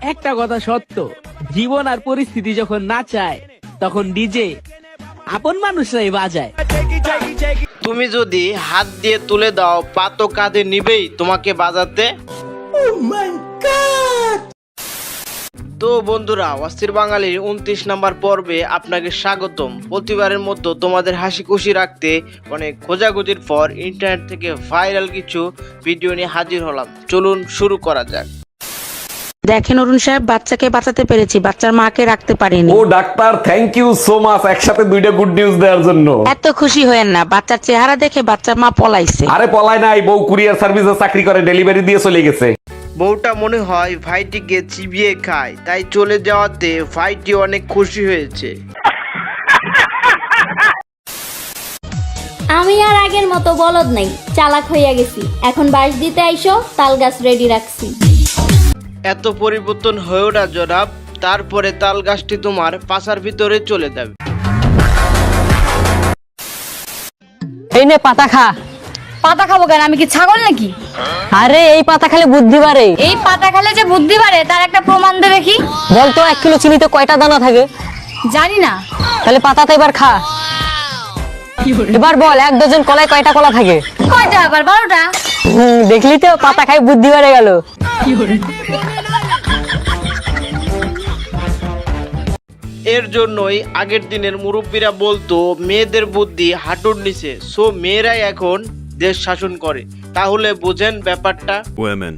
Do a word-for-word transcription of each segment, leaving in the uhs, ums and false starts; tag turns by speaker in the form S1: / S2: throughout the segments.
S1: একটা কথা সত্য, জীবন আর পরিস্থিতি যখন না চায় তখন ডিজে আপন মানুষরাই বাজায়।
S2: তুমি যদি হাত দিয়ে তুলে দাও, পা তো কাঁধে নিবেই তোমাকে বাজাতে। তো বন্ধুরা, অস্থির বাঙালির উনত্রিশ নাম্বার পর্বে আপনাকে স্বাগতম। প্রতিবারের মতো তোমাদের হাসি খুশি রাখতে অনেক খোঁজাখুঁজির পর ইন্টারনেট থেকে ভাইরাল কিছু ভিডিও নিয়ে হাজির হলাম। চলুন শুরু করা যাক।
S3: দেখেন অরুণ সাহেব, বাচ্চাকে বাঁচাতে পেরেছি, বাচ্চার মাকে রাখতে পারিনি।
S4: ও doctor, thank you so much একসাথে দুইটা গুড নিউজ দেওয়ার জন্য।
S3: এত খুশি হয়েন না, বাচ্চার চেহারা দেখে বাচ্চার মা পলাইছে।
S4: আরে পলায় নাই, বউ কুরিয়ার সার্ভিসে চাকরি করে, ডেলিভারি দিয়ে চলে গেছে।
S2: বউটা মনে হয় ভাইটিকে চিবিয়ে খায়, তাই চলে যাওয়াতে ভাইটি অনেক খুশি হয়েছে।
S5: আমি আর আগের মতো বলদ নাই, চালাক হইয়া গেছি। এখন বাঁশ দিতে আইসো, তাল গাছ রেডি রাখছি।
S2: এত পরিবর্তন হয়েও না জনাব, তারপরে তাল গাছটি তোমার পাছার ভিতরে চলে যাবে।
S6: এই নে পাতা খা।
S7: পাতা খাবো কেন? আমি কি ছাগল নাকি?
S6: আরে এই পাতা খেলে বুদ্ধি বাড়ে।
S7: এই পাতা খেলে যে বুদ্ধি বাড়ে তার একটা প্রমাণ দে দেখি।
S6: বলতো এক কিলো চিনিতে কয়টা দানা থাকে?
S7: জানি না।
S6: তাহলে পাতাতে এবার খা। এবার বল এক ডজন কলায় কয়টা কলা থাকে?
S7: কয়টা? আবার বারোটা।
S6: হুম, দেখলি তো, পাতা খাই বুদ্ধি বাড়ে গেল।
S2: এর জন্যই আগের দিনের মুরব্বীরা বলতো মেয়েদের বুদ্ধি হাঁটুর নিচে, সো মেয়েরাই এখন দেশ শাসন করে। তাহলে বুঝেন ব্যাপারটা।
S8: Women.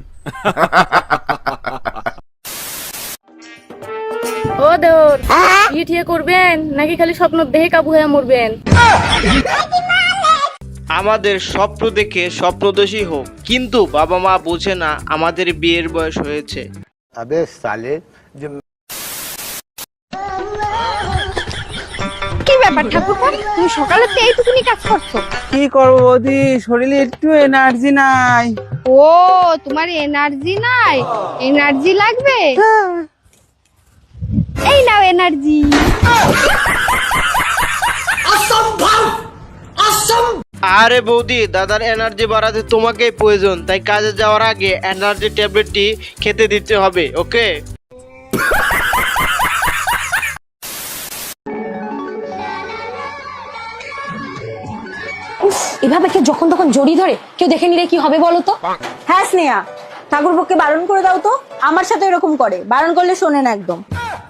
S7: ও দেওর, কি ঠিক করবেন নাকি খালি স্বপ্ন দেখে কাবু হয়ে মরবেন?
S2: আমাদের স্বপ্ন দেখে স্বপ্নদোষী হোক, কিন্তু বাবা মা বোঝে না আমাদের বিয়ের বয়স হয়েছে।
S9: अबे साले जो
S7: কি ব্যাপার ঠাকুরপো, তুমি সকালে তো এইটুকুনি কাজ করছো?
S1: কি করবো বৌদি, শরীরে একটু এনার্জি নাই।
S7: ও, তোমার এনার্জি নাই? এনার্জি লাগবে? এই নাও এনার্জি।
S2: আরে বৌদি, দাদার এনার্জি বাড়াতে তোমাকেই প্রয়োজন, তাই কাজে যাওয়ার আগে এনার্জি ট্যাবলেটটি খেতে দিতে হবে, ওকে?
S6: এভাবে কে যখন তখন জড়ি ধরে কেউ দেখে নিলে কি হবে বলো তো?
S10: হ্যাঁ স্নেহা, ঠাকুরপোকে বারণ করে দাও তো। আমার সাথে এরকম করে, বারণ করলে শোনে না একদম।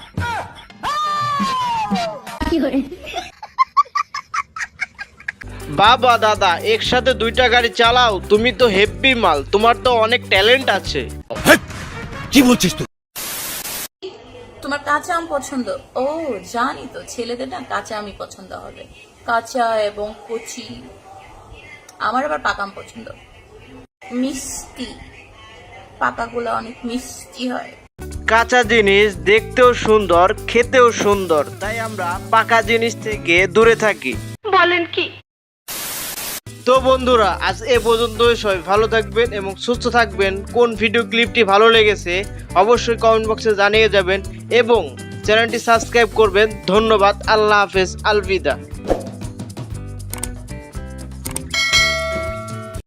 S2: বাবা দাদা একসাথে দুইটা গাড়ি চালাও, তুমি তো হেভি মাল, তোমার তো অনেক ট্যালেন্ট আছে।
S8: কি বলছিস তুই?
S11: তোমার কাঁচা আম পছন্দ? ও জানি তো, ছেলেদের না কাঁচা আমই পছন্দ হবে, কাঁচা এবং কচি। আমার আবার পাকা আম পছন্দ, মিষ্টি। পাকাগুলো অনেক মিষ্টি হয়।
S2: কাঁচা জিনিস দেখতেও সুন্দর, খেতেও সুন্দর, তাই আমরা পাকা জিনিস থেকে দূরে থাকি।
S7: বলেন কি?
S2: তো বন্ধুরা, আজ এ পর্যন্তই। সবাই ভালো থাকবেন এবং সুস্থ থাকবেন। কোন ভিডিও ক্লিপটি ভালো লেগেছে অবশ্যই কমেন্ট বক্সে জানিয়ে যাবেন এবং চ্যানেলটি সাবস্ক্রাইব করবেন। ধন্যবাদ, আল্লাহ হাফেজ, আলবিদা।